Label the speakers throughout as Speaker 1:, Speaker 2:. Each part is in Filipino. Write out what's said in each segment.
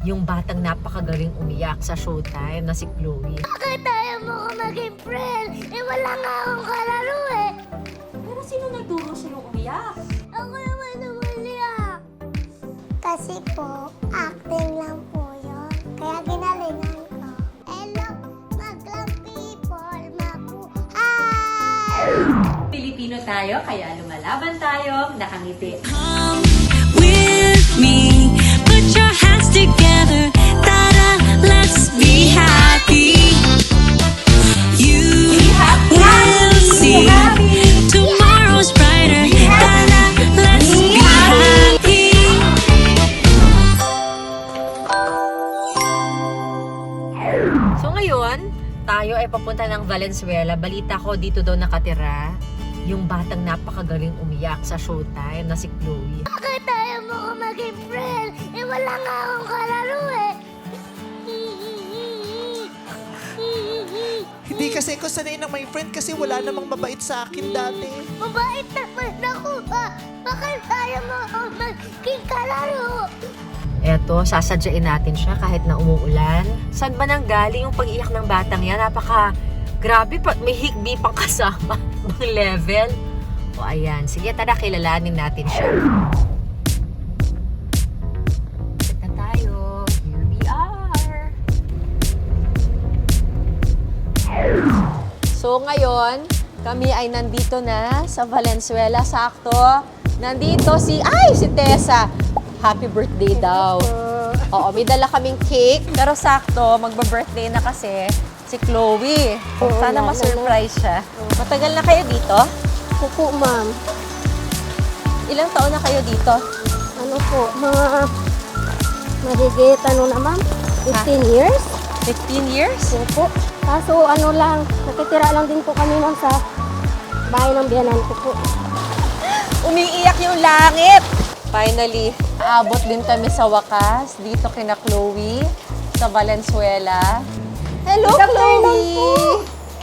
Speaker 1: yung batang napakagaling umiyak sa Showtime na si Chloe.
Speaker 2: Bakit tayo mo ko maging friend? Eh wala nga akong kalaro eh.
Speaker 1: Pero sino nagturo sa'yo umiyak?
Speaker 2: Ako naman umiyak. Kasi po, acting lang po yun. Kaya ginalingan ko. Hello, maglang people, mabuhay!
Speaker 1: Pilipino tayo, kaya lumalaban tayo, nakangiti.
Speaker 3: Come with me, put your hands together, ta-da, let's be happy. You will see tomorrow's brighter, ta-da, let's be happy.
Speaker 1: So ngayon, tayo ay papunta ng Valenzuela. Balita ko dito daw nakatira yung batang napakagaling umiyak sa Showtime na si Chloe.
Speaker 2: Bakit tayo mo ko maging friend? Eh wala nga akong kalaro eh.
Speaker 4: Hindi kasi ako sanay na may friend kasi wala namang mabait sa akin dati.
Speaker 2: Mabait naman ako ba? Bakit tayo mo ko maging kalaro?
Speaker 1: Eto, sasadyain natin siya kahit na umuulan. Saan ba nang galing yung pag-iyak ng batang yan? Grabe pa, may higbi pang kasama. Bang level. O ayan, sige tara, kilalanin natin siya. Set na tayo. Here we are. So ngayon, kami ay nandito na sa Valenzuela. Sakto. Nandito si Tessa. Happy birthday daw. Oo, may dala kaming cake. Pero sakto, magba-birthday na kasi si Chloe. Sana ma-surprise siya. Matagal na kayo dito?
Speaker 2: Opo, ma'am.
Speaker 1: Ilang taon na kayo dito?
Speaker 2: Ano po, mga mahigit ano na ma'am? 15 years?
Speaker 1: 15 years?
Speaker 2: Opo. Kaso ano lang, nakitira lang din po kami ma'am sa bahay ng biyanan ko po.
Speaker 1: Umiiyak yung langit! Finally, aabot din kami sa wakas dito kina Chloe sa Valenzuela. Hello, Chloe!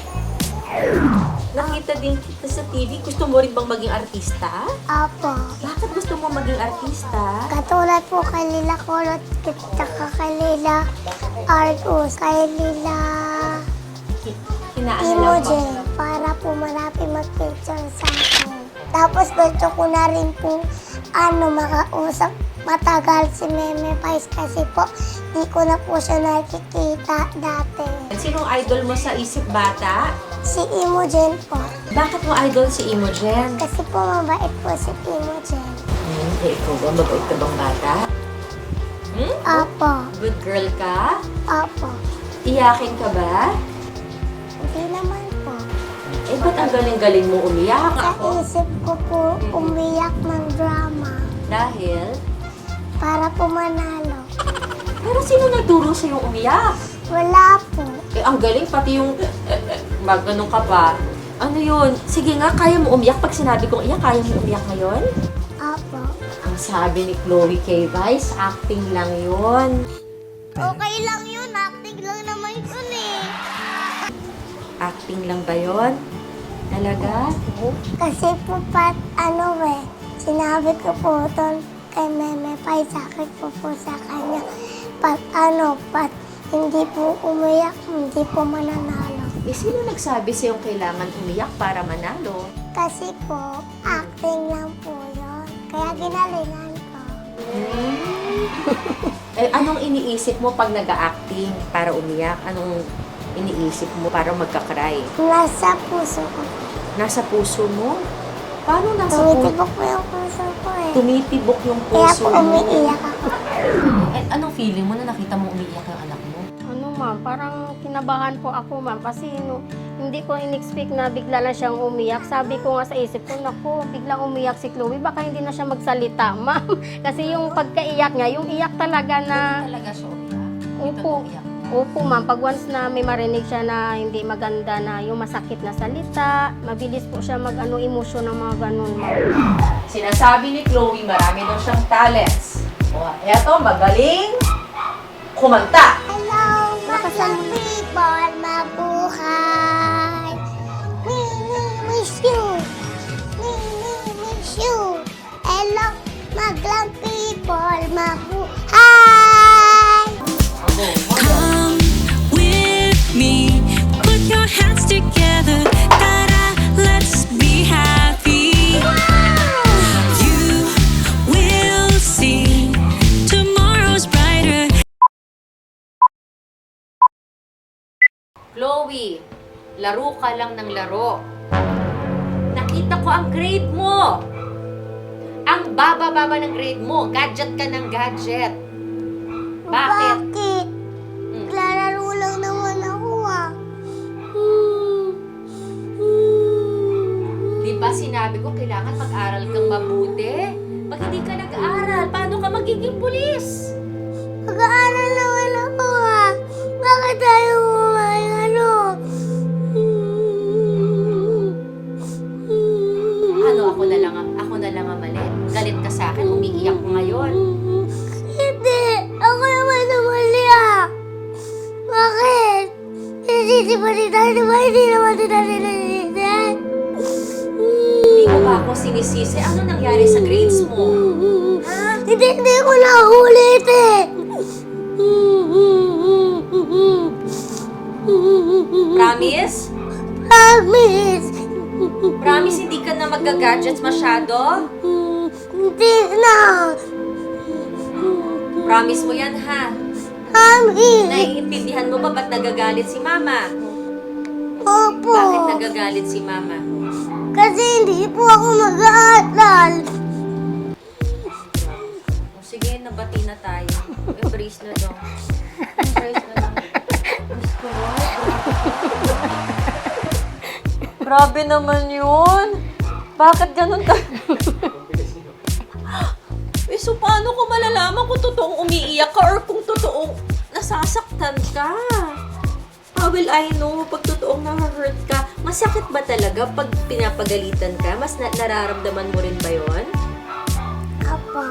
Speaker 1: Nakita din kita sa TV. Gusto mo rin bang maging artista?
Speaker 2: Apo.
Speaker 1: Bakit gusto mo maging artista?
Speaker 2: Katulad po kay Lila Kulot, tsaka kay Lila Argus, kay Lila Imogen, para po marami mag-picture sa akin. Tapos gusto ko na rin po makausap matagal si Meme Pais kasi po di ko na po siya nakikita dati.
Speaker 1: Sinong idol mo sa isip bata?
Speaker 2: Si Imogen po.
Speaker 1: Bakit mo idol si Imogen?
Speaker 2: Kasi po mabait po si Imogen.
Speaker 1: Ikaw ba? Mabait ka bang bata?
Speaker 2: Apo.
Speaker 1: Good girl ka?
Speaker 2: Apo.
Speaker 1: Iyakin ka ba?
Speaker 2: Hindi naman po.
Speaker 1: Eh, ba't ang galing-galing mo umiyak?
Speaker 2: Sa isip ko po umiyak ng drama
Speaker 1: Dahil?
Speaker 2: para po manalo.
Speaker 1: Pero sino nagturo sa'yo umiyak?
Speaker 2: Wala po.
Speaker 1: Eh, ang galing, pati yung ganun ka pa. Ano yun? Sige nga, kaya mo umiyak? Pag sinabi kong iyak, kaya mo umiyak ngayon?
Speaker 2: Apo.
Speaker 1: Ang sabi ni Chloe K. Vice, acting lang yun.
Speaker 2: Okay lang yun. Acting lang naman yun eh.
Speaker 1: Acting lang ba yun? Talaga?
Speaker 2: Kasi po sinabi ko po doon kay Meme Pai, sakit po sa kanya. Pag hindi po umiyak, hindi po mananalo.
Speaker 1: Eh, sino nagsabi sa'yo kailangan umiyak para manalo?
Speaker 2: Kasi po, acting lang po yun. Kaya ginalingan ko.
Speaker 1: Eh, anong iniisip mo pag nag-acting para umiyak? Anong iniisip mo para magka-cry?
Speaker 2: Nasa puso ko.
Speaker 1: Nasa puso mo? Paano nasa puso?
Speaker 2: Tumitibok po yung puso ko eh.
Speaker 1: Tumitibok yung
Speaker 2: Kaya
Speaker 1: puso
Speaker 2: po
Speaker 1: mo.
Speaker 2: umiiyak ako.
Speaker 1: Eh, anong feeling mo na nakita mo umiiyak yung anak mo?
Speaker 5: Ano ma'am, parang kinabahan po ako ma'am kasi hindi ko in-expect na bigla na siyang umiyak. Sabi ko nga sa isip ko, naku, biglang umiyak si Chloe, baka hindi na siya magsalita ma'am. Kasi yung pagkaiyak niya, yung iyak talaga na,
Speaker 1: Talaga siya umiyak?
Speaker 5: opo, opo ma'am, pag once na may marinig siya na hindi maganda na yung masakit na salita, mabilis po siya emosyon ng mga ganun ma'am.
Speaker 1: Sinasabi ni Chloe, marami daw siyang talents. O, eto, magaling kumanta.
Speaker 2: Hello, maglang people, mabuhay. Miss you. Miss you. Hello, maglang people, mabuhay.
Speaker 1: Chloe, laro ka lang ng laro. Nakita ko ang grade mo. Ang baba-baba ng grade mo. Gadget ka ng gadget. Bakit?
Speaker 2: Bakit? Naglalaro lang naman ako ah.
Speaker 1: Di ba sinabi ko kailangan mag-aral kang mabuti? Pag hindi ka nag-aaral, paano ka magiging pulis?
Speaker 2: Mag-aaral naman ako ah. Bakit tayo ano?
Speaker 1: Ano, ako na lang ang mali. Galit ka sa akin, umiiyak ko ngayon.
Speaker 2: Hindi. Ako naman namali ah. Bakit? Nasisi pa ni Tati ba? Hindi naman si Tati nasisi.
Speaker 1: Hindi mo ba ako sinisisi? Ano nangyari sa grades mo? Ha?
Speaker 2: Hindi ko na ulit eh.
Speaker 1: Promise?
Speaker 2: Promise.
Speaker 1: Promise hindi ka na mag-gadgets masyado?
Speaker 2: Hindi na.
Speaker 1: Promise mo yan, ha?
Speaker 2: Promise.
Speaker 1: Naiintindihan mo ba ba't nagagalit si Mama?
Speaker 2: Opo.
Speaker 1: Bakit nagagalit si Mama?
Speaker 2: Kasi hindi po ako mag-aaral.
Speaker 1: O, sige, nabati na tayo. Embrace na daw. Embrace na lang. Grabe naman yun. Bakit ganun ka? Eh, so paano ko malalaman kung totoong umiiyak ka or kung totoong nasasaktan ka? How will I know pag totoong na-hurt ka? Masakit ba talaga pag pinapagalitan ka? Mas nararamdaman mo rin ba yun?
Speaker 2: Opo.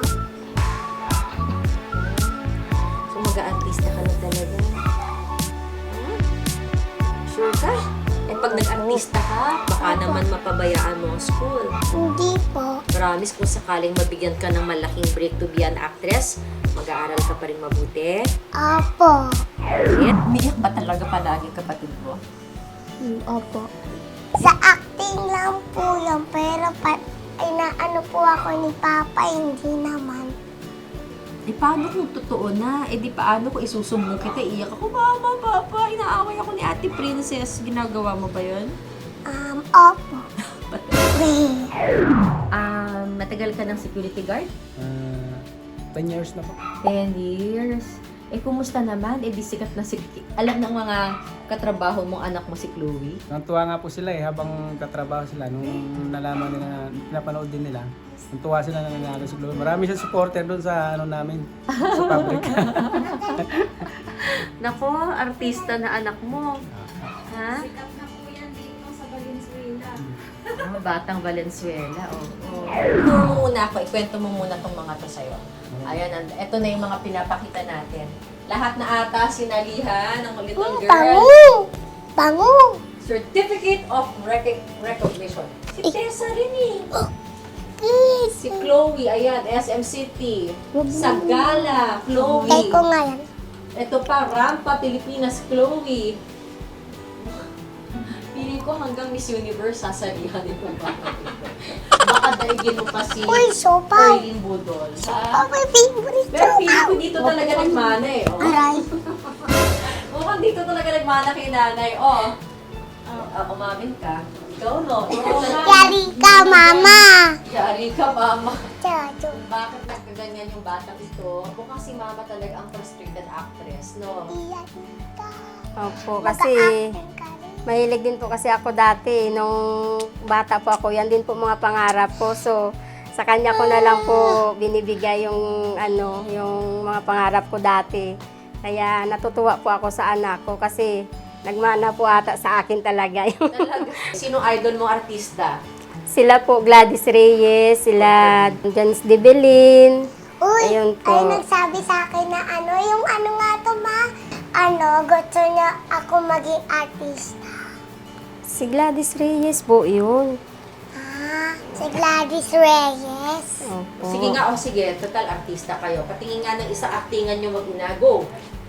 Speaker 1: So mag-a-artista ka na talaga. Huh? Sure ka? Eh pag nag-artista ka, baka naman mapabayaan mo ang school.
Speaker 2: Hindi po.
Speaker 1: Promise kung sakaling mabigyan ka ng malaking break to be an actress, mag-aaral ka pa rin mabuti.
Speaker 2: Opo.
Speaker 1: Umiyak ba talaga palagi kapatid mo?
Speaker 2: Opo. Sa acting lang po yun, pero inaano po ako ni Papa, hindi naman.
Speaker 1: Eh, paano kung totoo na? Eh, di paano kung isusumbong kita, iyak ako, Mama, Papa, inaaway ako ni Ate Princess. Ginagawa mo ba yun?
Speaker 2: Opo.
Speaker 1: Matagal ka ng security guard?
Speaker 6: 10 years na po.
Speaker 1: 10 years. Eh, kumusta naman? Eh, di sikat na alam ng mga katrabaho mong anak mo si Chloe?
Speaker 6: Natuwa nga po sila habang katrabaho sila. Nung nalaman nila, pinapanood din nila. Natuwa sila na nanalo si Chloe. Marami siyang supporter doon sa namin, sa public.
Speaker 1: Nako, artista na anak mo. Ha?
Speaker 5: Sikat na po yan dito sa Valenzuela.
Speaker 1: Batang Valenzuela, oo. Tour mo muna ako, ikwento mo muna tong mga to sa'yo. Ayan, ito na yung mga pinapakita natin. Lahat na ata sinalihan ng little girl.
Speaker 2: Bango! Bango!
Speaker 1: Certificate of Recognition. Si Tessa rin eh.
Speaker 2: Please.
Speaker 1: Si Chloe, ayan, SM City. Sagala, Chloe.
Speaker 2: Kay ko nga yan.
Speaker 1: Ito pa, Rampa, Pilipinas, Chloe. Piling ko hanggang Miss Universe sasalihan itong bata ito. Baka daigin mo pa si
Speaker 2: Uy, sopaw.
Speaker 1: Erlyn Budol.
Speaker 2: Oh, my favorite
Speaker 1: Pero piling
Speaker 2: sopaw.
Speaker 1: ko dito talaga nagmana eh. Oh.
Speaker 2: Aray.
Speaker 1: Mukhang dito talaga nagmana kay nanay. Oh. Umamin ka. Ikaw no.
Speaker 2: Yari ka, mama.
Speaker 1: Yari ka, mama.
Speaker 2: Chacho.
Speaker 1: Bakit nagkaganyan yung batang ito? Mukhang si mama talaga ang frustrated actress, no?
Speaker 2: Yari ka.
Speaker 5: Opo, kasi
Speaker 2: Mag-a-acting ka rin.
Speaker 5: mahilig din po kasi ako dati. Nung bata po ako, yan din po mga pangarap ko. So, sa kanya ko na lang po binibigay yung, yung mga pangarap ko dati. Kaya natutuwa po ako sa anak ko kasi nagmana po ata sa akin talaga.
Speaker 1: Talaga. Sino idol mong artista?
Speaker 5: Sila po Gladys Reyes, sila Janice De Belin.
Speaker 2: Uy,
Speaker 5: Ayun po.
Speaker 2: ay nagsabi sa akin na yung nga to ma, gusto niya ako maging artista.
Speaker 5: Si Gladys Reyes po yun.
Speaker 2: Si Gladys Reyes.
Speaker 5: Opo.
Speaker 1: Sige nga, sige. Total artista kayo. Patingin nga ng isang actingan nyo mag-ina. Go!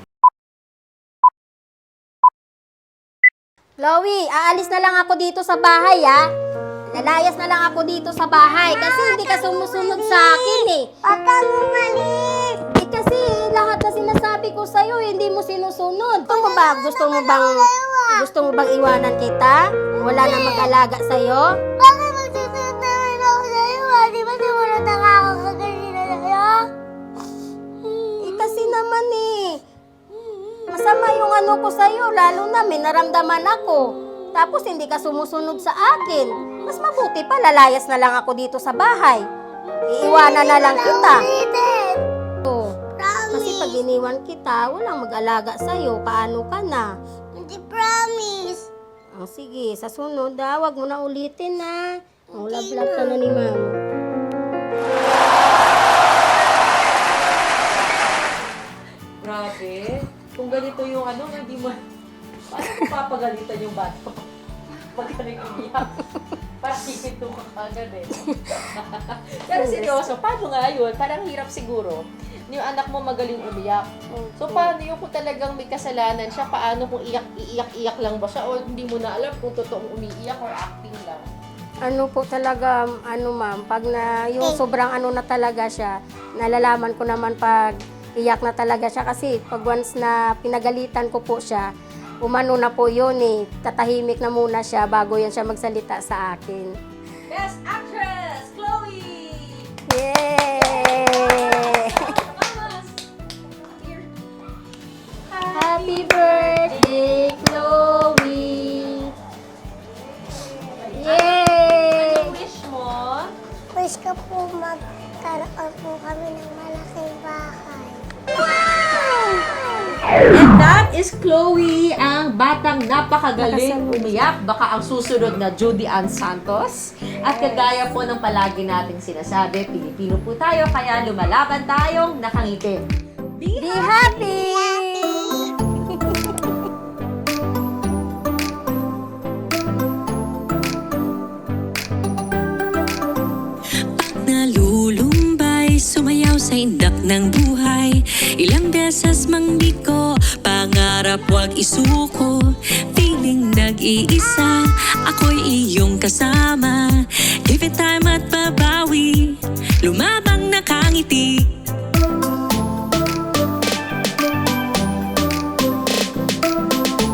Speaker 5: Chloe, aalis na lang ako dito sa bahay, ha? Lalayas na lang ako dito sa bahay kasi hindi ka sumusunod sa akin, eh.
Speaker 2: Huwag kang umalis.
Speaker 5: Eh kasi lahat na sinasabi ko sa'yo, hindi mo sinusunod. Gusto mo bang iwanan kita? Wala na mag-alaga sa'yo?
Speaker 2: Bakit magsusunod naman ako sa'yo? Di ba simulat na ako kaganina sa'yo?
Speaker 5: Kasi naman masama yung ano ko sa'yo, lalo na may naramdaman ako. Tapos hindi ka sumusunod sa akin. Mas mabuti pa, lalayas na lang ako dito sa bahay. Iiwanan na lang kita.
Speaker 2: Ulitin.
Speaker 5: Kasi pag iniwan kita, walang mag-alaga sa'yo. Paano ka na?
Speaker 2: Hindi promise.
Speaker 5: Sige, sa sunod wag mo na ulitin na. Love ka na ni Mama.
Speaker 1: Grabe. Kung ganito yung ano, hindi mo... Paano papagalitan yung bata? Pag umiyak. Parang hihito ka agad Pero seryoso, paano nga yun? Parang hirap siguro. Yung anak mo magaling umiyak. So paano yung kung talagang may kasalanan siya, paano kung iiyak lang ba siya o hindi mo na alam kung totoong umiiyak or acting lang?
Speaker 5: Ano po talaga, ma'am, pag yung sobrang na talaga siya, nalalaman ko naman pag iyak na talaga siya kasi pag once na pinagalitan ko po siya, umano na po yun tatahimik na muna siya bago yan siya magsalita sa akin.
Speaker 1: Best Actress, Chloe!
Speaker 5: Yay! Happy birthday, Chloe! Yay!
Speaker 1: Anong wish mo?
Speaker 2: Wish ko po magkaroon po kami ng malaking bahay.
Speaker 1: And that is Chloe, ang batang napakagaling umiyak. Baka ang susunod na Judy Ann Santos. At kagaya po ng palagi nating sinasabi, Pilipino po tayo, kaya lumalaban tayong nakangiti.
Speaker 5: Be happy!
Speaker 3: Nalulumbay, sumayaw sa indak ng buhay. Ilang beses mang di ko pangarap wag isuko. Feeling nag-iisa, ako'y iyong kasama.